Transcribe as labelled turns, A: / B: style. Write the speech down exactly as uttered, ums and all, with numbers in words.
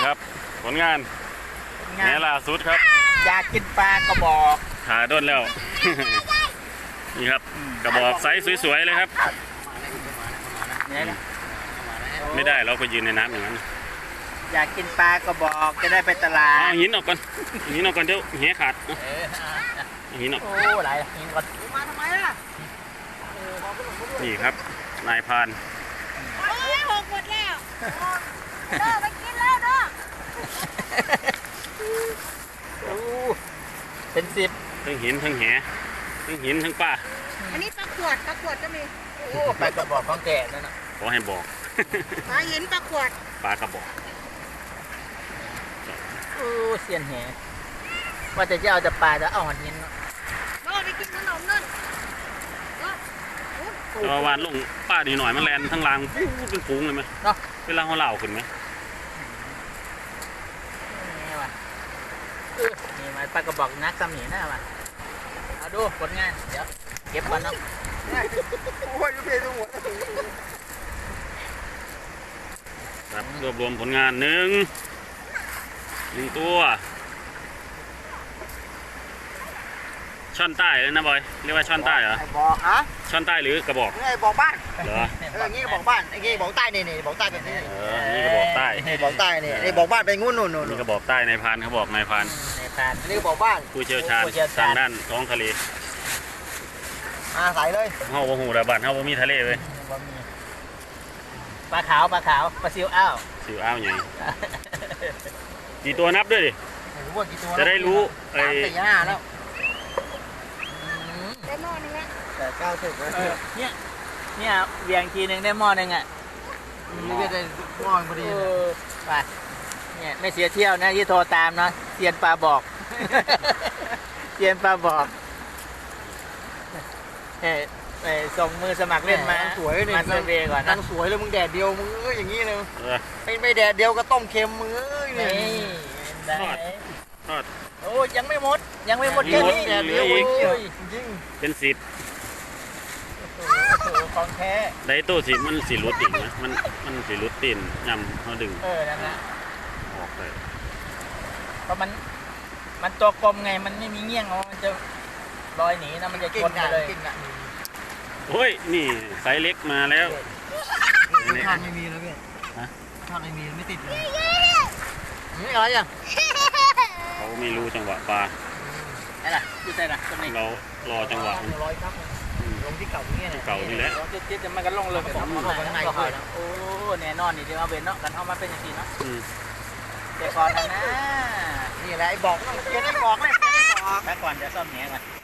A: ครับผลงานแหนล่าสุดครับ
B: อยากกินปลากระบอก
A: ขาด้นแล้ว นี่ครับกระบอกไซส์สวยๆเลยครับไม่ได้เราก็ยืนในน้ำอย่างนั้น
B: อยากกินปลากระบอกจะได้ไปตลาด
A: เอาหินออกก่อนหินออกก่อนเดี๋ยวแหขาดหินออก
B: โอ้ไหลหินก่อนมาทำไมล่ะ
A: นี่ครับนายพาน
C: โอ้ยหกหมดแล้วเด้อไปกินแล้วเด้อ
B: โอ้เป็นสิบ
A: ทั้งหินทั้งแหทั้งหินทั้งป้า
C: อันนี้ปลาขวดปลาขวดก็มี
B: โอ้ปลากระบอกของแก่นั่นน่ะ
A: ขอให้บอก
C: ปลาหินปลาขวด
A: ปลากระบอก
B: โอ้เสียนแหว่าจะจะเอาแต่ปลาจะเอาหันหินเนาะ
C: โน่ไปกินขนมนั่น
A: เราวานลงป้าดีหน่อยมันแลนทั้งรางเป็นฝูงเลยไหม
B: เนาะ
A: เวลาเขาเล่าขึ้นไหม
B: นี่ว่ะนี่มาปลากระบอกนักสมีน่ะว่ะเอาดูผลงานเดี๋ยวเก็บก่อนเนาะโอ้ยดูเพลดูหมด
A: ครับรวบรวมผลงานหนึ่งหนึ่งตัวช่อนใต้เลยนะบอยเรียกว่าช่อนใต้เหรอ
B: บอกฮะ
A: ช่อนใต้หรือกระบอก
B: ไอ้บอกบ้าน
A: เหรอ
B: เอองี้กระบอกบ้านไอ้งี้บอกใต้นี่นี่บอกใต้แบบนี้
A: เออนี่กระบอกใต้
B: นี่บอกใต้นี่นี่บอกบ้านไปงุ่นนู่นนู่น
A: นี่กระบอกใต้นายพานเขาบอกนายพาน
B: นายพานนี่กระบอกบ้าน
A: ผู้เชี่ยวชาญทางด้านท้องทะเล
B: มาใส่เลย
A: เฮาบ่ฮู้ระบาดเฮาบ่มีทะเลเลย
B: ปลาขาวปลาขาวปลาซิวอ้าว
A: ซิวอ้าวใหญ่กี่ตัวนับด้วยดิจะได้รู้
B: ไอ้สี่ห้าแล้ว
C: ได้หม้อนึงละ
B: แต่เก้าสิบแล้วเนี่ยเนี่ยเวียงทีนึงได้หม้อนึงอ่ะนี่ก็ได้หม้อพอดีไปเนี่ยไม่เสียเที่ยวนะที่โทรตามนะเซียนปลาบอกเซียนปลาบอกเฮ้ไปส่งมือสมัครเล่นมา
D: สวยเลย
B: มาเซเวก่อน
D: นะสวยเลยมึงแดดเดียวมึงเอ้ยอย่างนี้เลยไม่ไม่แดดเดียวก็ต้มเค็มมึงเอ้ย
B: นี่
A: ทอดทอด
B: โอ้ยังไม่หมดยังไม่หมดแค่นี้
A: แดดเดียวจริงเป็นสิบ
B: ของแท้
A: ได้ตู้สิมันสีรุดอีกนะมันมันสีรุดตีนยำเขาดึง
B: เออนั่นนะ
A: ออกเลย
B: เพราะมันมันตัวกลมไงมันไม่มีเงี้ยงมันจะลอยหนีนะมันจะชนเลย
A: โอ้ยนี่ไซส์เล็กมาแล้ว
D: ทานไม่มีแล้วพี่ทานไม่มีไม่ติดเลยนี่อะไรอ่ะ
A: เขาไม่รู้จังหวะปลา
B: อะไรดูใจนะตรงนี้
A: เรารอจังหวะ
D: ร้อยครับลงที่เก่านี่
A: เก่านี่แหละ
B: เจ๊จะมันก็ลงเลยผมเข้าไปข้างในก่อนโอ้แน่นอนนี่เดี๋ยวเอาเบนเนาะกันเอามาเป็นอย่างนี้เนาะเดี๋ยวก่อนนะ
D: นี่แหละไอ้บอกเจ๊ได้บอกเลย
B: แป๊บก่อนเดี๋ยวซ่อมแหนก่อน